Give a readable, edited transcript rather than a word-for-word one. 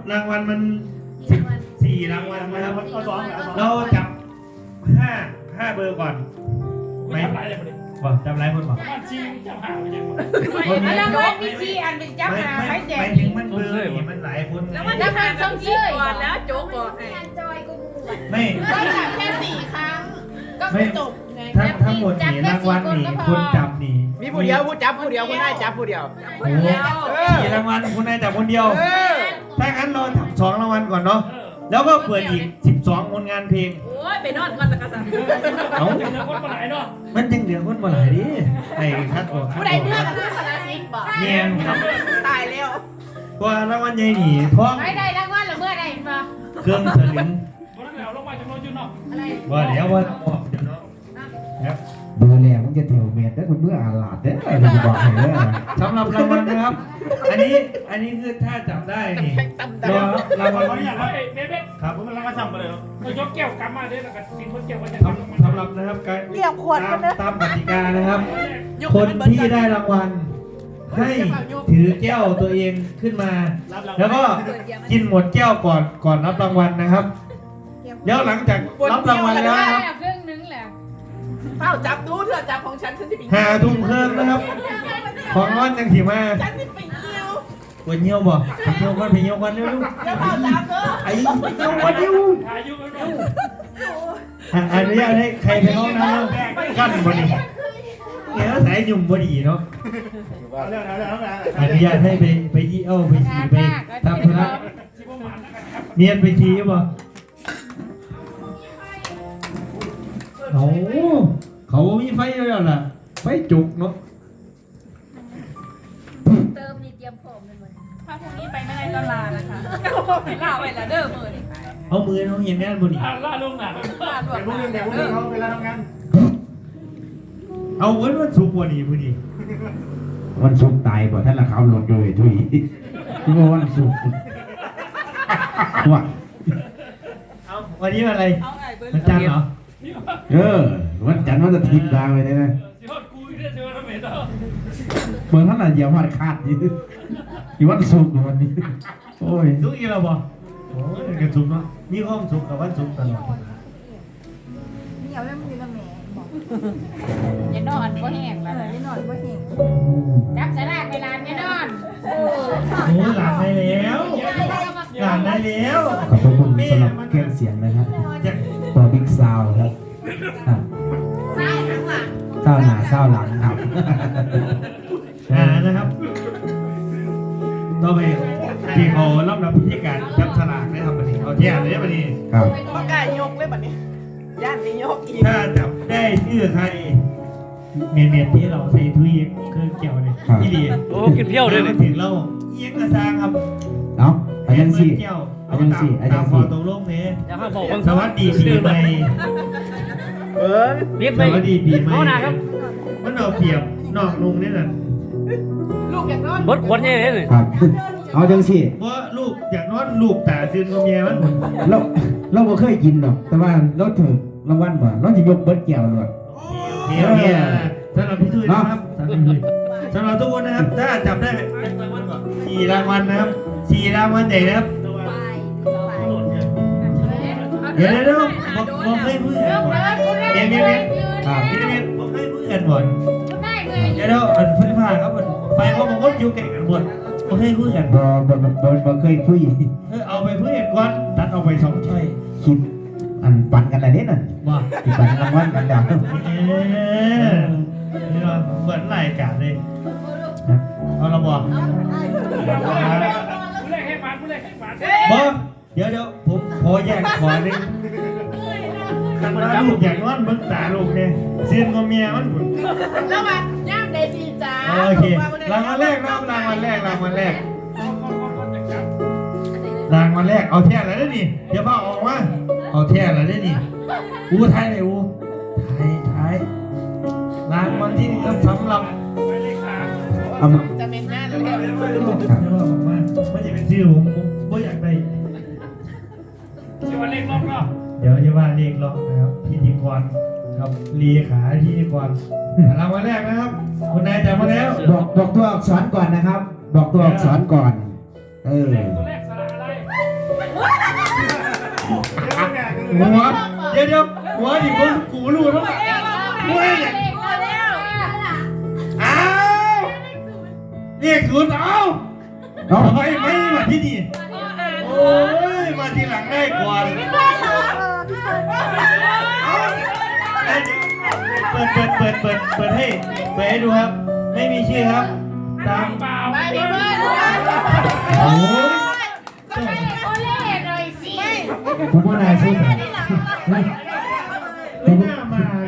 รางวัลมัน14รางวัลนะครับเราจับ5เบอร์ก่อนไหมบอกจำไรคนบอกจริงจำหาไม่ได้หมดแล้วว่าพี่ซีอันเป็นจับหาใครแจกไม่ถึงมันเบอร์นี่มันหลายคนแล้วมันจะหาต้องซีก่อนแล้วโจ๊กก่อนไม่ก็จับแค่4 ครั้งก็ไม่จบไงทั้งหมดนี่รางวัลนี่คนจับนี่มีผู้เดียวผู้จับผู้เดียวคนได้จับผู้เดียวโอ้4รางวัลคุณนายจับคนเดียวถ้างั้นเราทำ2รางวัลก่อนเนาะแล้วก็เปิดอีก12ผลงานเพลงโอ้ยไปนอนก่อนตะกษัตริย์เอ้าเดี๋ยวคนมาไหนเนาะมันจึงเหลือคนบ่หลายดิไอ้คัดออกผู้ใดเลือกกันสารสิบอกเนียนครับตายแล้วตัวรางวัลใหญ่หนีท้องไม่ได้รางวัลหรือเมื่อใดมาเครื่องสลึงวันนั้นแล้วลงมาจากรถจุนเนาะอะไรว่าเดี๋ยวว่าออกเดี๋ยวเนาะครับเบอร์แรกมันจะเถียวเมียได้คุณเมื่ออาลาดเด้อจะบอกให้เด้อสำหรับรางวัลนะครับ อันนี้คือถ้าจับได้นี่รอรางวัลวันนี้อยากให้เบ๊ะครับผมกำลังมาสั่งไปเลยเรายกแก้วกำมาได้แล้วก็กินคนแก้วก็จะสำหรับนะครับการเรียกขวดกันนะตามกติกานะครับ คนที่ได้รางวัลให้ถือแก้วตัวเองขึ้นมา แล้วก็กินหมดแก้วก่อนรับรางวัลนะครับแล้วหลังจากรับรางวัลแล้วนะครับครึ่งนึงแหละเฝ้าจับดูเถอะจับของฉันฉันจะไป 5 ทุ่มครึ่งนะครับ ของร้อนยังถีมาฉันจะไปเที่ยวปวดเยี่ยวบ่ไปเยี่ยวก่อนไปเยี่ยวก่อนเร็วแล้วเฝ้าจับเถอะๆไอ้ไปเยี่ยวก่อนเร็วอายุไม่รู้อนุญาตให้ใครไปห้องน้ำกั้นบ่ดีเนี่ยสายยุ่มบ่ดีเนาะอนุญาตให้ไปยี่เอ้าไปฉี่ไปทำธุระชิบะหมานะครับเมียนไปฉี่บ่โอ้เขามีไฟแล้วล่ะไฟจุกเนาะเติมนี่เตรียมพร้อมเลยมั้ยถ้าพรุ่งนี้ไปไม่ได้ก็ลานะคะลาไปละเด้อมื้อนี้เอามือน้องเห็นแน่นบ่ดีล่าลงหนาลาด่วนเด้อเวลาทำงานเอาวันสุกร์บ่ดีบ่ดีวันศุกร์ตายบ่ท่านละเขาลงโดยทุยที่ว่าวันศุกร์ว่าเอาวันนี้วันอะไรวันจันทร์เหรอวันจันทร์วันอาทิตย์ดาวไปได้ไหมสิฮอดกูอีกเดือนทำไมเนาะเมื่อท่านน่ะเหยียบหัดขาดอยู่วันศุกร์วันนี้โอ้ยสุกอีกแล้วบ่โอ้ยกันสุกเนาะมีความสุขกับวันศุกร์ตลอดเหนียวแล้วมันอยู่กับแม่บอกอย่านอนบ่แห้งแล้วไม่นอนก็เห็นจับสลากเวลาไม่นอนโอ้หลานได้แล้วหลานได้แล้วขอบคุณสำหรับเครื่องเสียงนะครับจะตัวบิ๊กซาวครับเศร้าหนาเศร้าหลังครับนะครับต่อไปที่เขารับพิธีการจับฉลากได้ครับวันนี้เอาเที่ยงเลยวันนี้ครับปากกายกเลยบัดนี้ย่านนี้ยกอีกถ้าจับได้ชื่อใครเมียนที่เราใส่ทุยเครื่องเกี่ยวเนี่ยที่ดีโอ้กินเพี้ยวเลยถึงเราเอียงกระซางครับเนาะอาจารย์สี่เกี่ยวอาจารย์สี่อาจาตาร มย์ขอสี่ตกลงเนี่ยอย่าห้ามบอกสวัสดีปีใหม่รีบสไปวัสดีปีใหม่เอาหนาครับมันเอาเปรียบนอกนุ่งนี่น่ะลูกอยากนอนบดขวดใหญ่เลยครับ เอาจังสี่เพราะลูกอยากนอนลูกตาซึนกับเมียมันเราบ่เคยกินหรอกแต่ว่าเราถือรางวัลบ่เราจะยกเบิดแก้วเลยเมียสำหรับพี่ตุ้ยนะครับสำหรับทุกคนนะครับถ้าจับได้4 รางวัลนะครับ4 รางวัลใหญ่นะครับเดี๋ยวผมให้เพื่อนก่อนเมียครับผมให้เพื่อนก่อนได้เลยเดี๋ยวอันไฟฟ้าครับไฟเขาบอกว่าอยู่แก่กันหมดผมให้เพื่อนบ่เคยคุยเอาไปเพื่อนก่อนตัดออกไป2ช่อยคลิปอันปั่นกันอะไรเนี่ยน่ะว่าที่ปั่นรางวัลกันดาวนี่เราเหมือนรายการเลยเอาละบอกผู้แรกให้หวานผู้แรกให้หวานบอกเดี๋ยวผมขอแยกขอหนึ่งกันมาลูกอยากนอนเบิ้งตาลูกเนี่ยเซียนกับเมียมันบุญแล้วมาย่ามเดซีจ้าโอเครางวัลแรกรางวัลแรกรางวัลแรกเอาแท่อะไรได้นี่เดี๋ยวพ่อออกมาเอาแท่อะไรได้นี่อูไทยเลยอูไทยรางวัลที่1สำหรับเอามาจะเป็นหน้าเดี๋แล้ยววบอกว่าไม่จะเป็นชื่อผมไม่อยากได้ชื่อว่าเล็กล็อกเนาะเดี๋ยวจะว่าเรียกร้องนะครับพิธีกรกับเลขาพิธีกรรางวัลแรกนะครับคุณนายจับมาแล้วบอกตัวอักษรก่อนนะครับ บอกตัวอักษรก่อนตัวแรกสระอะไรหัวเดี๋ยวหัวดิกูรู้แล้วหัวเนี่ยอ้าวเรียกศูนย์เอาไม่มาที่นี่โอ้ยมาทีหลังได้ก่อนเปิดให้ดูครับไม่มีชื่อครับตามเปล่าไปพี่เบิร์ดโอ้ยก็ให้โอเล่หน่อยสิผมว่านายสุดไม่น่ามา